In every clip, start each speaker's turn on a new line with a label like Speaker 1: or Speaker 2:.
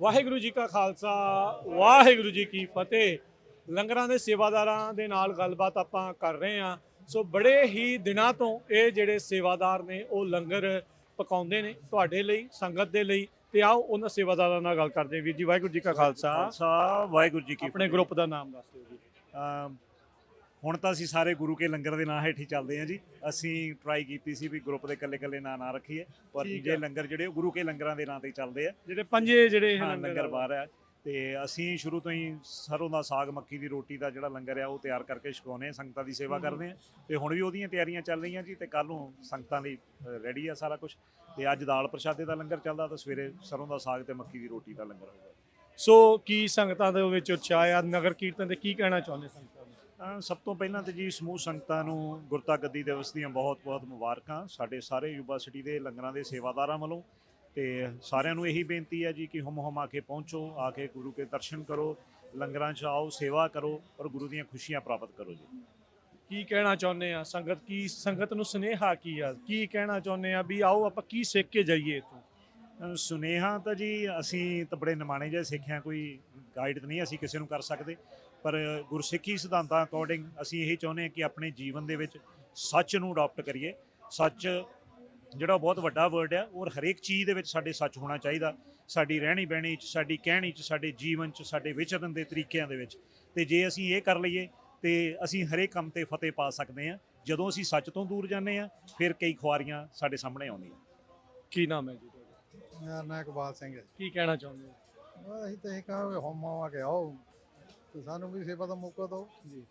Speaker 1: ਵਾਹਿਗੁਰੂ ਜੀ ਕਾ ਖਾਲਸਾ ਵਾਹਿਗੁਰੂ ਜੀ ਕੀ ਫਤਿਹ। ਲੰਗਰਾਂ ਦੇ ਸੇਵਾਦਾਰਾਂ ਦੇ ਨਾਲ ਗੱਲਬਾਤ ਆਪਾਂ ਕਰ ਰਹੇ ਹਾਂ। ਸੋ ਬੜੇ ਹੀ ਦਿਨਾਂ ਤੋਂ ਇਹ ਜਿਹੜੇ ਸੇਵਾਦਾਰ ਨੇ ਉਹ ਲੰਗਰ ਪਕਾਉਂਦੇ ਨੇ ਤੁਹਾਡੇ ਲਈ, ਸੰਗਤ ਦੇ ਲਈ। ਤੇ ਆਓ ਉਹਨਾਂ ਸੇਵਾਦਾਰਾਂ ਨਾਲ ਗੱਲ ਕਰਦੇ ਹਾਂ। ਵੀਰ ਜੀ ਵਾਹਿਗੁਰੂ ਜੀ ਕਾ ਖਾਲਸਾ।
Speaker 2: ਵਾਹਿਗੁਰੂ ਜੀ ਕੀ
Speaker 1: ਆਪਣੇ
Speaker 2: ਫਤਿਹ।
Speaker 1: ਗਰੁੱਪ ਦਾ ਨਾਮ ਦੱਸ ਦਿਓ ਜੀ।
Speaker 2: ਹੁਣ ਤਾਂ ਅਸੀਂ ਸਾਰੇ ਗੁਰੂ ਕੇ ਲੰਗਰ ਦੇ ਨਾਂ ਹੇਠ ਹੀ ਚੱਲਦੇ ਹਾਂ ਜੀ। ਅਸੀਂ ਟਰਾਈ ਕੀਤੀ ਸੀ ਵੀ ਗਰੁੱਪ ਦੇ ਇਕੱਲੇ ਨਾਂ ਨਾ ਰੱਖੀਏ, ਪਰ
Speaker 1: ਠੀਕ
Speaker 2: ਜੇ
Speaker 1: ਹੈ।
Speaker 2: ਲੰਗਰ ਜਿਹੜੇ ਉਹ ਗੁਰੂ ਕੇ ਲੰਗਰਾਂ ਦੇ ਨਾਂ ਤੇ ਹੀ ਚੱਲਦੇ ਆ।
Speaker 1: ਜਿਹੜੇ ਪੰਜੇ ਜਿਹੜੇ
Speaker 2: ਹਾਂ, ਲੰਗਰ ਬਾਹਰ ਆ। ਤੇ ਅਸੀਂ ਸ਼ੁਰੂ ਤੋਂ ਹੀ ਸਰੋਂ ਦਾ ਸਾਗ, ਮੱਕੀ ਦੀ ਰੋਟੀ ਦਾ ਜਿਹੜਾ ਲੰਗਰ ਆ ਉਹ ਤਿਆਰ ਕਰਕੇ ਛਕਾਉਂਦੇ ਹਾਂ, ਸੰਗਤਾਂ ਦੀ ਸੇਵਾ ਕਰਦੇ ਹਾਂ। ਤੇ ਹੁਣ ਵੀ ਉਹਦੀਆਂ ਤਿਆਰੀਆਂ ਚੱਲ ਰਹੀਆਂ ਜੀ। ਤੇ ਕੱਲ੍ਹ ਨੂੰ ਸੰਗਤਾਂ ਲਈ ਰੈਡੀ ਆ ਸਾਰਾ ਕੁਝ। ਤੇ ਅੱਜ ਦਾਲ ਪ੍ਰਸ਼ਾਦੇ ਦਾ ਲੰਗਰ ਚੱਲਦਾ, ਤਾਂ ਸਵੇਰੇ ਸਰੋਂ ਦਾ ਸਾਗ ਤੇ ਮੱਕੀ ਦੀ ਰੋਟੀ ਦਾ ਲੰਗਰ ਹੋਊਗਾ।
Speaker 1: ਸੋ ਕੀ ਸੰਗਤਾਂ ਦੇ ਵਿੱਚ ਉਤਸ਼ਾਹ ਆ ਨਗਰ ਕੀਰਤਨ ਤੇ, ਕੀ ਕਹਿਣਾ ਚਾਹੁੰਦੇ ਸੰਗਤਾਂ ਨੂੰ?
Speaker 2: ਸਭ ਤੋਂ ਪਹਿਲਾਂ ਤੇ ਜੀ ਸਮੂਹ ਸੰਗਤਾਂ ਨੂੰ ਗੁਰਤਾ ਗੱਦੀ ਦਿਵਸ ਦੀਆਂ ਬਹੁਤ-ਬਹੁਤ ਮੁਬਾਰਕਾਂ ਸਾਡੇ ਸਾਰੇ ਯੂਬਾ ਸਿਟੀ ਦੇ ਲੰਗਰਾਂ ਦੇ ਸੇਵਾਦਾਰਾਂ ਵੱਲੋਂ। ਤੇ ਸਾਰਿਆਂ ਨੂੰ ਇਹੀ ਬੇਨਤੀ ਹੈ ਜੀ ਕਿ ਹੁਮ ਆ ਕੇ ਪਹੁੰਚੋ, ਆ ਕੇ ਗੁਰੂ ਕੇ ਦਰਸ਼ਨ ਕਰੋ, ਲੰਗਰਾਂ 'ਚ ਆਓ, ਸੇਵਾ ਕਰੋ ਔਰ ਗੁਰੂ ਦੀਆਂ ਖੁਸ਼ੀਆਂ ਪ੍ਰਾਪਤ ਕਰੋ ਜੀ।
Speaker 1: ਕੀ ਕਹਿਣਾ ਚਾਹੁੰਦੇ ਆ ਸੰਗਤ ਨੂੰ ਸੁਨੇਹਾ ਕੀ ਆ, ਕੀ ਕਹਿਣਾ ਚਾਹੁੰਦੇ ਆ ਵੀ ਆਓ ਆਪਾਂ ਕੀ ਸਿੱਖ ਕੇ ਜਾਈਏ ਇੱਥੋਂ?
Speaker 2: ਸੁਨੇਹਾ ਤਾਂ ਜੀ ਅਸੀਂ ਤਾਂ ਬੜੇ ਨਿਮਾਣੇ ਜਿਹੇ ਸਿੱਖਿਆ, ਕੋਈ ਗਾਈਡ ਤਾਂ ਨਹੀਂ ਅਸੀਂ ਕਿਸੇ ਨੂੰ ਕਰ ਸਕਦੇ, ਪਰ ਗੁਰਸਿੱਖੀ ਸਿਧਾਂਤਾਂ ਅਕੋਰਡਿੰਗ ਅਸੀਂ ਇਹੀ ਚਾਹੁੰਦੇ ਹਾਂ ਕਿ ਆਪਣੇ ਜੀਵਨ ਦੇ ਵਿੱਚ ਸੱਚ ਨੂੰ ਅਡਾਪਟ ਕਰੀਏ। ਸੱਚ ਜਿਹੜਾ ਬਹੁਤ ਵੱਡਾ ਵਰਡ ਆ, ਔਰ ਹਰੇਕ ਚੀਜ਼ ਦੇ ਵਿੱਚ ਸਾਡੇ ਸੱਚ ਹੋਣਾ ਚਾਹੀਦਾ। ਸਾਡੀ ਰਹਿਣੀ ਬਹਿਣੀ 'ਚ, ਸਾਡੀ ਕਹਿਣੀ 'ਚ, ਸਾਡੇ ਜੀਵਨ 'ਚ, ਸਾਡੇ ਵਿਚਰਨ ਦੇ ਤਰੀਕਿਆਂ ਦੇ ਵਿੱਚ। ਤੇ ਜੇ ਅਸੀਂ ਇਹ ਕਰ ਲਈਏ ਤੇ ਅਸੀਂ ਹਰੇਕ ਕੰਮ ਤੇ ਫਤਿਹ ਪਾ ਸਕਦੇ ਹਾਂ। ਜਦੋਂ ਅਸੀਂ ਸੱਚ ਤੋਂ ਦੂਰ ਜਾਂਦੇ ਹਾਂ, ਫਿਰ ਕਈ ਖੁਆਰੀਆਂ ਸਾਡੇ ਸਾਹਮਣੇ ਆਉਂਦੀਆਂ।
Speaker 1: ਕੀ ਨਾਮ ਹੈ ਜੀ ਤੁਹਾਡਾ?
Speaker 3: ਮੇਰਾ ਨਾਂ ਇਕਬਾਲ ਸਿੰਘ ਹੈ।
Speaker 1: ਕੀ ਕਹਿਣਾ ਚਾਹੁੰਦੇ ਹੋ?
Speaker 3: ਅਸੀਂ ਤਾਂ ਇਹ ਕਹਾਂਗੇ ਹੋਮ ਆ ਕੇ ਆਓ ਤੇ ਸਾਨੂੰ ਵੀ ਸੇਵਾ ਦਾ ਮੌਕਾ ਦਿਓ ਜੀ।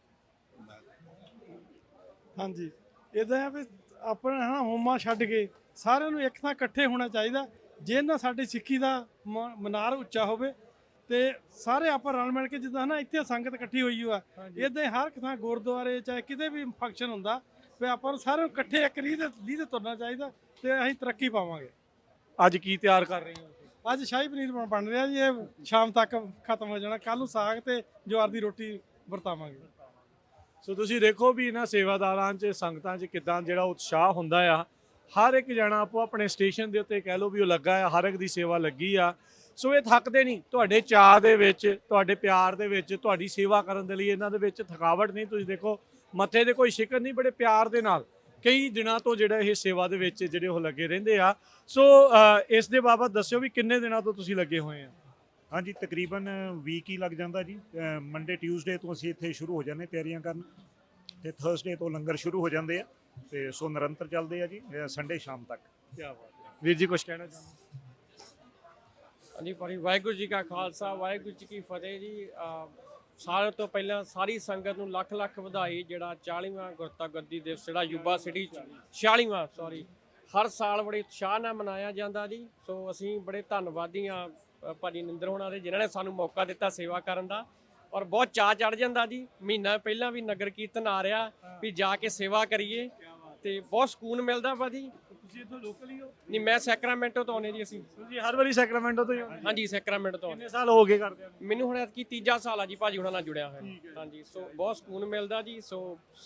Speaker 4: ਹਾਂਜੀ, ਇਦਾਂ ਆ ਵੀ ਆਪਣਾ ਹੈ ਨਾ ਹੋਮਾ ਛੱਡ ਕੇ ਸਾਰਿਆਂ ਨੂੰ ਇੱਕ ਥਾਂ ਇਕੱਠੇ ਹੋਣਾ ਚਾਹੀਦਾ। ਜੇ ਨਾ ਸਾਡੀ ਸਿੱਖੀ ਦਾ ਮਨਾਰ ਉੱਚਾ ਹੋਵੇ ਤੇ ਸਾਰੇ ਆਪਾਂ ਰਲ ਮਿਲ ਕੇ, ਜਿੱਦਾਂ ਨਾ ਇੱਥੇ ਸੰਗਤ ਇਕੱਠੀ ਹੋਈ ਆ, ਇਦਾਂ ਹੀ ਹਰ ਇੱਕ ਥਾਂ ਗੁਰਦੁਆਰੇ ਚਾਹੇ ਕਿਤੇ ਵੀ ਫੰਕਸ਼ਨ ਹੁੰਦਾ ਵੀ ਆਪਾਂ ਨੂੰ ਸਾਰਿਆਂ ਨੂੰ ਇਕੱਠੇ ਇੱਕ ਲੀਹ ਤੇ ਤੁਰਨਾ ਚਾਹੀਦਾ ਤੇ ਅਸੀਂ ਤਰੱਕੀ ਪਾਵਾਂਗੇ।
Speaker 1: ਅੱਜ ਕੀ ਤਿਆਰ ਕਰ ਰਹੇ ਹੋ?
Speaker 4: ਅੱਜ ਸ਼ਾਹੀ ਪਨੀਰ ਬਣ ਰਿਹਾ ਜੀ, ਇਹ ਸ਼ਾਮ ਤੱਕ ਖਤਮ ਹੋ ਜਾਣਾ। ਕੱਲ ਨੂੰ ਸਾਗ ਤੇ ਜਵਾਰ ਦੀ ਰੋਟੀ ਵਰਤਾਵਾਂਗੇ।
Speaker 1: ਸੋ ਤੁਸੀਂ ਦੇਖੋ ਵੀ ਇਹਨਾਂ ਸੇਵਾਦਾਰਾਂ 'ਚ, ਸੰਗਤਾਂ 'ਚ ਕਿੱਦਾਂ ਜਿਹੜਾ ਉਤਸ਼ਾਹ ਹੁੰਦਾ ਆ। ਹਰ ਇੱਕ ਜਣਾ ਆਪੋ ਆਪਣੇ ਸਟੇਸ਼ਨ ਦੇ ਉੱਤੇ ਕਹਿ ਲਓ ਵੀ ਉਹ ਲੱਗਾ ਆ, ਹਰ ਇੱਕ ਦੀ ਸੇਵਾ ਲੱਗੀ ਆ। ਸੋ ਇਹ ਥੱਕਦੇ ਨਹੀਂ। ਤੁਹਾਡੇ ਚਾਅ ਦੇ ਵਿੱਚ, ਤੁਹਾਡੇ ਪਿਆਰ ਦੇ ਵਿੱਚ, ਤੁਹਾਡੀ ਸੇਵਾ ਕਰਨ ਦੇ ਲਈ ਇਹਨਾਂ ਦੇ ਵਿੱਚ ਥਕਾਵਟ ਨਹੀਂ। ਤੁਸੀਂ ਦੇਖੋ ਮੱਥੇ ਤੇ ਕੋਈ ਸ਼ਿਕਨ ਨਹੀਂ, ਬੜੇ ਪਿਆਰ ਦੇ ਨਾਲ ਕਈ ਦਿਨਾਂ ਤੋਂ ਜਿਹੜਾ ਇਹ ਸੇਵਾ ਦੇ ਵਿੱਚ ਜਿਹੜੇ ਉਹ ਲੱਗੇ ਰਹਿੰਦੇ ਆ। ਸੋ ਇਸ ਦੇ ਬਾਬਤ ਦੱਸਿਓ ਵੀ ਕਿੰਨੇ ਦਿਨਾਂ ਤੋਂ ਤੁਸੀਂ ਲੱਗੇ ਹੋਏ ਆ?
Speaker 2: ਹਾਂਜੀ, ਤਕਰੀਬਨ ਵੀਕ ਹੀ ਲੱਗ ਜਾਂਦਾ ਜੀ। ਮੰਡੇ ਟਿਊਜ਼ਡੇ ਤੋਂ ਅਸੀਂ ਇੱਥੇ ਸ਼ੁਰੂ ਹੋ ਜਾਂਦੇ ਤਿਆਰੀਆਂ ਕਰਨ, ਤੇ ਥਰਸਡੇ ਤੋਂ ਲੰਗਰ ਸ਼ੁਰੂ ਹੋ ਜਾਂਦੇ ਆ। ਤੇ ਸੋ ਨਿਰੰਤਰ ਚੱਲਦੇ ਆ ਜੀ ਸੰਡੇ ਸ਼ਾਮ ਤੱਕ।
Speaker 1: ਕੀ ਬਾਤ ਹੈ। ਵੀਰ ਜੀ ਕੁਝ ਕਹਿਣਾ ਚਾਹੁੰਦੇ?
Speaker 5: ਹਾਂਜੀ ਭਾਈ, ਵਾਹਿਗੁਰੂ ਜੀ ਕਾ ਖਾਲਸਾ ਵਾਹਿਗੁਰੂ ਜੀ ਕੀ ਫਤਿਹ ਜੀ। ਸਾਰਿਆਂ ਤੋਂ ਪਹਿਲਾਂ ਸਾਰੀ ਸੰਗਤ ਨੂੰ ਲੱਖ ਲੱਖ ਵਧਾਈ। ਜਿਹੜਾ 40ਵਾਂ ਗੁਰਤਾ ਗੱਦੀ ਦਿਵਸ ਜਿਹੜਾ ਯੂਬਾ ਸਿਟੀ 'ਚ 46ਵਾਂ ਹਰ ਸਾਲ ਬੜੇ ਉਤਸ਼ਾਹ ਨਾਲ ਮਨਾਇਆ ਜਾਂਦਾ ਜੀ। ਸੋ ਅਸੀਂ ਬੜੇ ਧੰਨਵਾਦੀ ਹਾਂ ਭਾਜੀ ਨਿੰਦਰ ਹੋਣਾ ਦੇ, ਜਿਨ੍ਹਾਂ ਨੇ ਸਾਨੂੰ ਮੌਕਾ ਦਿੱਤਾ ਸੇਵਾ ਕਰਨ ਦਾ। ਔਰ ਬਹੁਤ ਚਾਅ ਚੜ੍ਹ ਜਾਂਦਾ ਜੀ। ਮਹੀਨਾ ਪਹਿਲਾਂ ਵੀ ਨਗਰ ਕੀਰਤਨ ਆ ਰਿਹਾ ਵੀ ਜਾ ਕੇ ਸੇਵਾ ਕਰੀਏ ਤੇ ਬਹੁਤ ਸਕੂਨ ਮਿਲਦਾ ਭਾਜੀ।
Speaker 1: ਤੁਸੀਂ ਇੱਥੋਂ ਲੋਕਲ ਹੀ ਹੋ?
Speaker 5: ਨਹੀਂ, ਮੈਂ ਸੈਕਰਾਮੈਂਟੋ ਤੋਂ ਆਉਂਦੇ ਜੀ ਅਸੀਂ।
Speaker 1: ਤੁਸੀਂ ਹਰ ਵਾਰੀ ਸੈਕਰਾਮੈਂਟੋ ਤੋਂ ਹੀ ਆਉਂਦੇ?
Speaker 5: ਹਾਂਜੀ, ਸੈਕਰਾਮੈਂਟੋ ਤੋਂ।
Speaker 1: ਕਿੰਨੇ ਸਾਲ ਹੋ ਗਏ ਕਰਦੇ ਨੂੰ?
Speaker 5: ਮੈਨੂੰ ਹੁਣ ਐਤਕੀ ਤੀਜਾ ਸਾਲ ਆ ਜੀ ਭਾਜੀ ਹੁਣਾਂ ਨਾਲ ਜੁੜਿਆ ਹੋਇਆ। ਹਾਂਜੀ, ਸੋ ਬਹੁਤ ਸਕੂਨ ਮਿਲਦਾ ਜੀ। ਸੋ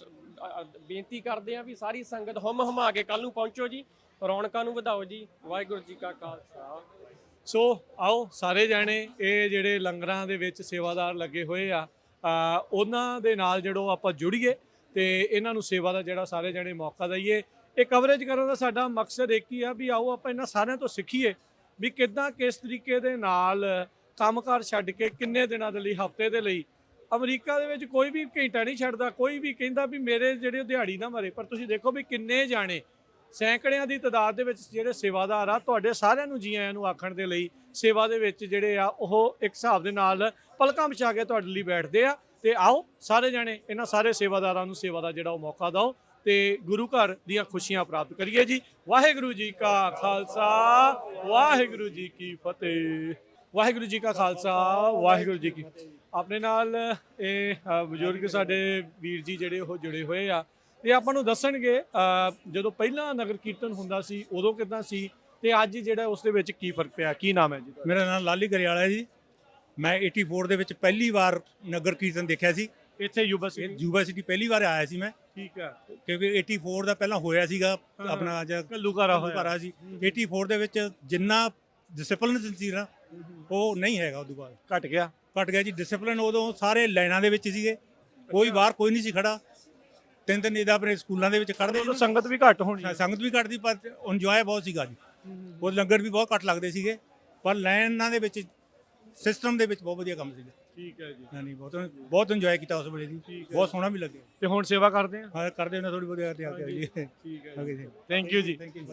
Speaker 5: ਬੇਨਤੀ ਕਰਦੇ ਆ ਵੀ ਸਾਰੀ ਸੰਗਤ ਹੁਮਾ ਕੇ ਕੱਲ ਨੂੰ ਪਹੁੰਚੋ ਜੀ, ਰੌਣਕਾਂ ਨੂੰ ਵਧਾਓ ਜੀ। ਵਾਹਿਗੁਰੂ ਜੀ ਕਾ ਖਾਲਸਾ।
Speaker 1: ਸੋ ਆਓ ਸਾਰੇ ਜਾਣੇ ਇਹ ਜਿਹੜੇ ਲੰਗਰਾਂ ਦੇ ਵਿੱਚ ਸੇਵਾਦਾਰ ਲੱਗੇ ਹੋਏ ਆ, ਉਹਨਾਂ ਦੇ ਨਾਲ ਜਿਹੜੋ ਆਪਾਂ ਜੁੜੀਏ ਤੇ ਇਹਨਾਂ ਨੂੰ ਸੇਵਾ ਦਾ ਜਿਹੜਾ ਸਾਰੇ ਜਾਣੇ ਮੌਕਾ ਦਈਏ। ਇਹ ਕਵਰੇਜ ਕਰਨ ਦਾ ਸਾਡਾ ਮਕਸਦ ਇੱਕ ਹੀ ਆ ਵੀ ਆਓ ਆਪਾਂ ਇਹਨਾਂ ਸਾਰਿਆਂ ਤੋਂ ਸਿੱਖੀਏ ਵੀ ਕਿੱਦਾਂ, ਕਿਸ ਤਰੀਕੇ ਦੇ ਨਾਲ ਕੰਮਕਾਰ ਛੱਡ ਕੇ ਕਿੰਨੇ ਦਿਨਾਂ ਦੇ ਲਈ, ਹਫ਼ਤੇ ਦੇ ਲਈ। ਅਮਰੀਕਾ ਦੇ ਵਿੱਚ ਕੋਈ ਵੀ ਘੰਟਾ ਨਹੀਂ ਛੱਡਦਾ, ਕੋਈ ਵੀ ਕਹਿੰਦਾ ਵੀ ਮੇਰੇ ਜਿਹੜੇ ਦਿਹਾੜੀ ਨਾ ਮਰੇ। ਪਰ ਤੁਸੀਂ ਦੇਖੋ ਵੀ ਕਿੰਨੇ ਜਾਣੇ, ਸੈਂਕੜਿਆਂ ਦੀ ਤਾਦਾਦ ਦੇ ਵਿੱਚ ਜਿਹੜੇ ਸੇਵਾਦਾਰ ਆ, ਤੁਹਾਡੇ ਸਾਰਿਆਂ ਨੂੰ ਜੀ ਆਇਆਂ ਨੂੰ ਆਖਣ ਦੇ ਲਈ ਸੇਵਾ ਦੇ ਵਿੱਚ ਜਿਹੜੇ ਆ ਉਹ ਇੱਕ ਹਿਸਾਬ ਦੇ ਨਾਲ ਪਲਕਾਂ ਵਿਛਾ ਕੇ ਤੁਹਾਡੇ ਲਈ ਬੈਠਦੇ ਆ। ਤੇ ਆਓ ਸਾਰੇ ਜਾਣੇ ਇਹਨਾਂ ਸਾਰੇ ਸੇਵਾਦਾਰਾਂ ਨੂੰ ਸੇਵਾ ਦਾ ਜਿਹੜਾ ਉਹ ਮੌਕਾ ਦਿਓ ਤੇ ਗੁਰੂ ਘਰ ਦੀਆਂ ਖੁਸ਼ੀਆਂ ਪ੍ਰਾਪਤ ਕਰੀਏ ਜੀ। ਵਾਹਿਗੁਰੂ ਜੀ ਕਾ ਖਾਲਸਾ ਵਾਹਿਗੁਰੂ ਜੀ ਕੀ ਫਤਿਹ। ਵਾਹਿਗੁਰੂ ਜੀ ਕਾ ਖਾਲਸਾ ਵਾਹਿਗੁਰੂ ਜੀ ਕੀ। ਆਪਣੇ ਨਾਲ ਇਹ ਬਜ਼ੁਰਗ ਸਾਡੇ ਵੀਰ ਜੀ ਜਿਹੜੇ ਉਹ ਜੁੜੇ ਹੋਏ ਆ ਤੇ ਆਪਾਂ ਨੂੰ ਦੱਸਣਗੇ ਜਦੋਂ ਪਹਿਲਾਂ ਨਗਰ ਕੀਰਤਨ ਹੁੰਦਾ ਸੀ ਉਦੋਂ ਕਿੱਦਾਂ ਸੀ ਤੇ ਅੱਜ ਜਿਹੜਾ ਉਸ ਦੇ ਵਿੱਚ ਕੀ ਫਰਕ ਪਿਆ। ਕੀ ਨਾਮ ਹੈ ਜੀ?
Speaker 6: ਮੇਰਾ ਨਾਮ ਲਾਲੀ ਗਰੇਵਾਲਾ ਹੈ ਜੀ। ਮੈਂ 84 ਦੇ ਵਿੱਚ ਪਹਿਲੀ ਵਾਰ ਨਗਰ ਕੀਰਤਨ ਦੇਖਿਆ ਸੀ
Speaker 1: ਇੱਥੇ ਯੂਬਾ
Speaker 6: ਯੂਨੀਵਰਸਿਟੀ ਪਹਿਲੀ ਵਾਰ ਆਇਆ ਸੀ ਮੈਂ।
Speaker 1: ਠੀਕ ਹੈ,
Speaker 6: ਕਿਉਂਕਿ 84 ਦਾ ਪਹਿਲਾਂ ਹੋਇਆ ਸੀਗਾ ਆਪਣਾ
Speaker 1: ਘੱਲੂਘਾਰਾ ਹੋਇਆ
Speaker 6: ਸੀ। 84 ਦੇ ਵਿੱਚ ਜਿੰਨਾ ਡਿਸਪਲਿਨ ਸੀ ਨਾ ਉਹ ਨਹੀਂ ਹੈਗਾ ਉਦੋਂ ਬਾਅਦ,
Speaker 1: ਘਟ ਗਿਆ।
Speaker 6: ਘਟ ਗਿਆ ਜੀ। ਡਿਸਪਲਿਨ ਉਦੋਂ ਸਾਰੇ ਲਾਈਨਾਂ ਦੇ ਵਿੱਚ ਸੀਗੇ, ਕੋਈ ਬਾਹਰ ਕੋਈ ਨਹੀਂ ਸੀ ਖੜਾ। ਤਿੰਨ ਤਿੰਨ ਇਹਦਾ ਆਪਣੇ ਸਕੂਲਾਂ ਦੇ ਵਿੱਚ ਕੱਢਦੇ
Speaker 1: ਉਦੋਂ ਸੰਗਤ ਵੀ ਘੱਟ ਹੋਣੀ।
Speaker 6: ਸੰਗਤ ਵੀ ਘੱਟ ਦੀ, ਪਰ ਇੰਜੋਏ ਬਹੁਤ ਸੀਗਾ ਜੀ। ਉਹ ਲੰਗਰ ਵੀ ਬਹੁਤ ਘੱਟ ਲੱਗਦੇ ਸੀਗੇ, ਪਰ ਲਾਈਨਾਂ ਦੇ ਵਿੱਚ ਸਿਸਟਮ ਦੇ ਵਿੱਚ ਬਹੁਤ ਵਧੀਆ ਕੰਮ ਸੀਗਾ।
Speaker 1: ਠੀਕ ਹੈ ਜੀ।
Speaker 6: ਹਾਂਜੀ, ਬਹੁਤ ਇੰਜੋਏ ਕੀਤਾ ਉਸ ਵੇਲੇ ਜੀ, ਬਹੁਤ ਸੋਹਣਾ ਵੀ ਲੱਗਿਆ।
Speaker 1: ਤੇ ਹੁਣ ਸੇਵਾ ਕਰਦੇ ਆ।
Speaker 6: ਹਾਂ, ਕਰਦੇ ਉਹਨਾਂ ਥੋੜੀ ਵਧੀਆ ਤੇ ਆ ਗਿਆ ਜੀ।
Speaker 1: ਠੀਕ ਹੈ
Speaker 6: ਓਕੇ ਜੀ,
Speaker 1: ਥੈਂਕ ਯੂ ਜੀ।
Speaker 6: Thank you.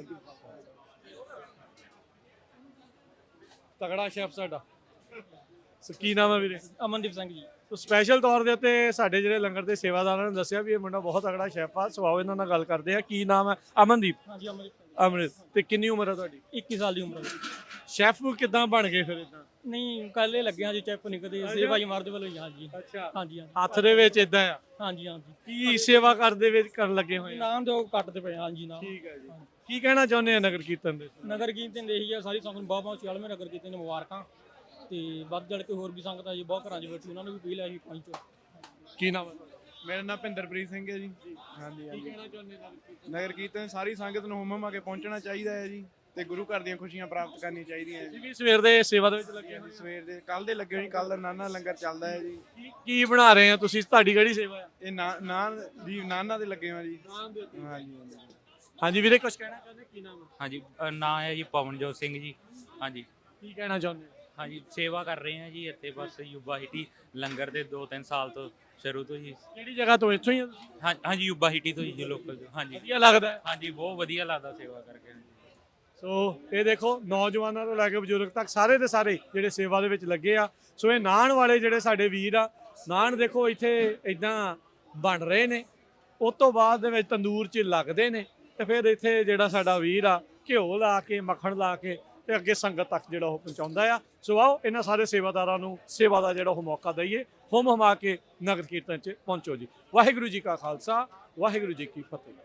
Speaker 1: ਤਗੜਾ ਸ਼ੈਫ ਸਾਡਾ। ਸੋ ਕੀ ਨਾਮ ਹੈ ਵੀਰੇ?
Speaker 5: ਅਮਨਦੀਪ ਸਿੰਘ ਜੀ।
Speaker 1: ਸੋ ਸਪੈਸ਼ਲ ਤੌਰ ਦੇ ਉੱਤੇ ਸਾਡੇ ਜਿਹੜੇ ਲੰਗਰ ਦੇ ਸੇਵਾਦਾਰਾਂ ਨੇ ਦੱਸਿਆ ਵੀ ਇਹ ਮੁੰਡਾ ਬਹੁਤ ਤਗੜਾ ਸ਼ੈਫ ਆ। ਸੋ ਆਓ ਇਹਨਾਂ ਨਾਲ ਗੱਲ ਕਰਦੇ ਆ। ਕੀ ਨਾਮ ਹੈ? ਅਮਨਦੀਪ।
Speaker 5: ਹਾਂਜੀ ਅਮਨਦੀਪ।
Speaker 1: ਅਮਰਿਤ। ਤੇ ਕਿੰਨੀ ਉਮਰ ਹੈ ਤੁਹਾਡੀ?
Speaker 5: 21 ਸਾਲ ਦੀ ਉਮਰ ਹੈ।
Speaker 1: ਸ਼ੈਫ ਕਿੱਦਾਂ ਬਣ ਗਏ ਫਿਰ ਇਦਾਂ?
Speaker 5: ਨਹੀਂ ਕੱਲ ਇਹ ਲੱਗਿਆ ਜੀ, ਚੈੱਕ ਨਹੀਂ ਕਦੇ ਸੇਵਾ ਜੀ ਮਾਰਦੇ ਵੱਲੋਂ। ਹਾਂਜੀ
Speaker 1: ਅੱਛਾ,
Speaker 5: ਹਾਂਜੀ ਹਾਂਜੀ
Speaker 1: ਹੱਥ ਦੇ ਵਿੱਚ ਇਦਾਂ ਆ।
Speaker 5: ਹਾਂਜੀ ਹਾਂਜੀ।
Speaker 1: ਕੀ ਸੇਵਾ ਕਰਦੇ ਵਿੱਚ ਕਰਨ ਲੱਗੇ ਹੋਏ ਆ?
Speaker 5: ਨਾਮ ਦੋ ਕੱਟਦੇ ਪਏ। ਹਾਂਜੀ ਨਾਮ।
Speaker 1: ਠੀਕ ਹੈ ਜੀ। ਕੀ ਕਹਿਣਾ ਚਾਹੁੰਦੇ ਆ ਨਗਰ ਕੀਰਤਨ ਦੇ?
Speaker 5: ਨਗਰ ਕੀਰਤਨ ਦੇ ਇਹੀ ਆ, ਸਾਰੀ ਸੰਗਤ ਨੂੰ ਬਹੁਤ ਬਹੁਤ 46ਵੇਂ ਨਗਰ ਕੀਰਤਨ ਦੀਆਂ ਮੁਬਾਰਕਾਂ। ਤੇ ਵੱਧ ਚੜ ਕੇ ਹੋਰ ਵੀ ਸੰਗਤਾਂ ਜੀ ਬਹੁਤ ਘਰਾਂ 'ਚ ਬੈਠੀ, ਉਹਨਾਂ ਨੂੰ ਵੀ ਅਪੀਲ ਹੈ ਜੀ ਪਹੁੰਚੋ।
Speaker 1: ਕੀ ਨਾਮ ਹੈ ਤੁਹਾਡਾ?
Speaker 7: ਮੇਰਾ ਨਾਮ ਭਿੰਦਰਪ੍ਰੀਤ ਸਿੰਘ ਹੈ ਜੀ। ਹਾਂਜੀ
Speaker 1: ਕੀ
Speaker 7: ਹਾਂਜੀ।
Speaker 1: ਕਹਿਣਾ ਚਾਹੁੰਦੇ ਨਗਰ ਕੀਰਤਨ?
Speaker 7: ਨਗਰ ਕੀਰਤਨ ਸਾਰੀ ਸੰਗਤ ਨੂੰ ਹੁਮ ਹੁਮਾ ਕੇ ਪਹੁੰਚਣਾ ਚਾਹੀਦਾ ਹੈ ਜੀ, ਤੇ ਗੁਰੂ ਘਰ ਦੀਆਂ ਖੁਸ਼ੀਆਂ ਪ੍ਰਾਪਤ ਕਰਨੀਆਂ ਚਾਹੀਦੀਆਂ ਹੈ
Speaker 1: ਤੁਸੀਂ
Speaker 7: ਜੀ।
Speaker 1: ਵੀ ਸਵੇਰ ਦੇ ਸੇਵਾ ਦੇ ਵਿੱਚ ਲੱਗੇ ਹੋਏ
Speaker 7: ਸਵੇਰ ਦੇ ਕੱਲ ਦੇ ਲੱਗੇ ਹੋਏ ਜੀ, ਕੱਲ ਦਾ ਨਾਨਾ ਲੰਗਰ ਚੱਲਦਾ ਹੈ ਜੀ।
Speaker 1: ਕੀ ਬਣਾ ਰਹੇ ਆ ਤੁਸੀਂ? ਤੁਹਾਡੀ ਕਿਹੜੀ ਸੇਵਾ ਆ?
Speaker 7: ਇਹ ਨਾਨ ਦੀ ਨਾਨਾ ਦੇ ਲੱਗੇ ਹੋਏ ਜੀ। ਹਾਂਜੀ ਹਾਂਜੀ।
Speaker 1: ਹਾਂਜੀ ਵੀਰੇ, ਕੁਝ ਕਹਿਣਾ ਚਾਹੁੰਦੇ? ਕੀ ਨਾਮ ਹੈ?
Speaker 8: ਹਾਂਜੀ ਨਾਂ ਹੈ ਜੀ ਪਵਨਜੋਤ ਸਿੰਘ ਜੀ। ਹਾਂਜੀ
Speaker 1: ਕੀ ਕਹਿਣਾ ਚਾਹੁੰਦੇ?
Speaker 8: ਹਾਂਜੀ, ਸੇਵਾ ਕਰ ਰਹੇ ਹਾਂ ਜੀ ਇੱਥੇ ਬਸ ਯੂਬਾ ਹਿੱਟੀ ਲੰਗਰ ਦੇ 2-3 ਸਾਲ ਤੋਂ ਸ਼ੁਰੂ ਤੋਂ ਜੀ।
Speaker 1: ਕਿਹੜੀ ਜਗ੍ਹਾ ਤੋਂ? ਇੱਥੋਂ ਹੀ ਆ ਤੁਸੀਂ?
Speaker 8: ਹਾਂਜੀ ਯੂਬਾ ਹਿੱਟੀ ਤੋਂ ਜੀ, ਲੋਕਲ ਤੋਂ। ਹਾਂਜੀ
Speaker 1: ਵਧੀਆ ਲੱਗਦਾ ਹੈ।
Speaker 8: ਹਾਂਜੀ, ਬਹੁਤ ਵਧੀਆ ਲੱਗਦਾ ਸੇਵਾ ਕਰਕੇ।
Speaker 1: ਸੋ ਇਹ ਦੇਖੋ, ਨੌਜਵਾਨਾਂ ਤੋਂ ਲੈ ਕੇ ਬਜ਼ੁਰਗ ਤੱਕ ਸਾਰੇ ਦੇ ਸਾਰੇ ਜਿਹੜੇ ਸੇਵਾ ਦੇ ਵਿੱਚ ਲੱਗੇ ਆ। ਸੋ ਇਹ ਨਾਨ ਵਾਲੇ ਜਿਹੜੇ ਸਾਡੇ ਵੀਰ ਆ, ਨਾਨ ਦੇਖੋ ਇੱਥੇ ਇਦਾਂ ਬਣ ਰਹੇ ਨੇ। ਉਸ ਤੋਂ ਬਾਅਦ ਦੇ ਵਿੱਚ ਤੰਦੂਰ 'ਚ ਲੱਗਦੇ ਨੇ, ਤੇ ਫਿਰ ਇੱਥੇ ਜਿਹੜਾ ਸਾਡਾ ਵੀਰ ਆ ਘਿਓ ਲਾ ਕੇ ਮੱਖਣ ਲਾ ਕੇ ਤੇ ਅੱਗੇ ਸੰਗਤ ਤੱਕ ਜਿਹੜਾ ਉਹ ਪਹੁੰਚਾਉਂਦਾ ਆ। ਸੋ ਆਓ ਇਹਨਾਂ ਸਾਰੇ ਸੇਵਾਦਾਰਾਂ ਨੂੰ ਸੇਵਾ ਦਾ ਜਿਹੜਾ ਉਹ ਮੌਕਾ ਦਈਏ। ਹੁਮ ਹੁਮਾ ਕੇ ਨਗਰ ਕੀਰਤਨ 'ਚ ਪਹੁੰਚੋ ਜੀ। ਵਾਹਿਗੁਰੂ ਜੀ ਕਾ ਖਾਲਸਾ, ਵਾਹਿਗੁਰੂ ਜੀ ਕੀ ਫਤਿਹ।